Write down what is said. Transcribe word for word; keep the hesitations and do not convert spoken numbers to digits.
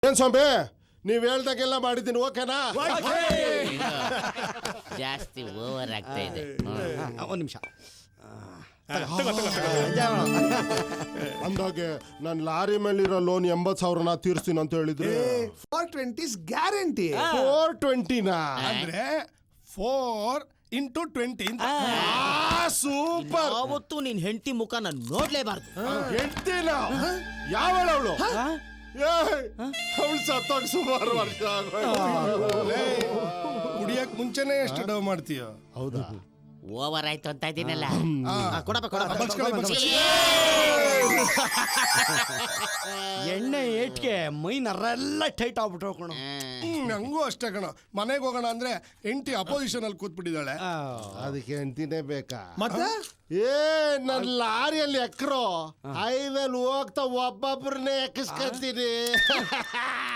ಏನ್ ಸ್ವಾಮಿ ನೀವ್ ಹೇಳ್ದಾಗೆಲ್ಲ ಮಾಡಿದ್ದೀನಿ ಓಕೆನಾ? ಜಾಸ್ತಿ ಓವರ್ ಆಗ್ತಾ ಇದೆ. ಒಂದು ನಿಮಿಷ ಅಂದಾಗೆ ನಾನು ಲಾರಿ ಮೇಲಿರೋ ಲೋನ್ ಎಂಬತ್ ಸಾವಿರನ ತೀರ್ಸ್ತೀನಿ ಅಂತ ಹೇಳಿದ್ರೆ ಫೋರ್ ಟ್ವೆಂಟೀಸ್ ಗ್ಯಾರಂಟಿ. ಫೋರ್ ಟ್ವೆಂಟಿನಾ ಅಂದ್ರೆ ಫೋರ್ ಇಂಟು ಟ್ವೆಂಟಿ. ಸೂಪರ್. ಅವತ್ತು ನಿನ್ ಹೆಂಡತಿ ಮುಖ ನಾನು ನೋಡ್ಲೇಬಾರ್ದು. ಹೇಳ್ತೀನ ಯಾವಳವಳು? ಅವಳು ಸತ್ತೋಗ್ ಸುಮಾರು ವರ್ಷ ಕುಡಿಯಕ್ ಮುಂಚೆನೆ ಎಷ್ಟು ಡವ್ ಮಾಡ್ತೀಯ? ಹೌದಾ? ಓವರ್ ಆಯ್ತು ಅಂತ ಇದೀನಲ್ಲ. ಕೊಡಪ್ಪ ಎಣ್ಣೆ ಏಟ್ಗೆ ಮೈ ನರೆಲ್ಲ ಟೈಟ್ ಆಗ್ಬಿಟ್ರು ಕಣ. ನಂಗೂ ಅಷ್ಟೇ ಕಣ. ಮನೆಗೆ ಹೋಗೋಣ ಅಂದ್ರೆ ಎಂಟಿ ಅಪೋಸಿಷನ್ ಅಲ್ಲಿ ಕೂತ್ಬಿಟ್ಟಿದ್ದಾಳೆ. ಅದಕ್ಕೆ ಹೆಂಡತಿನೇ ಬೇಕಾ? ಮತ್ತೆ ಏ ನನ್ ಲಾರಿಯಲ್ಲಿ ಎಕ್ರೋ ಹೈವೇಲ್ ಹೋಗ್ತಾ ಒಬ್ಬೊಬ್ರನ್ನೇ ಎಕ್ಕಿಸ್ಕೊತೀನಿ.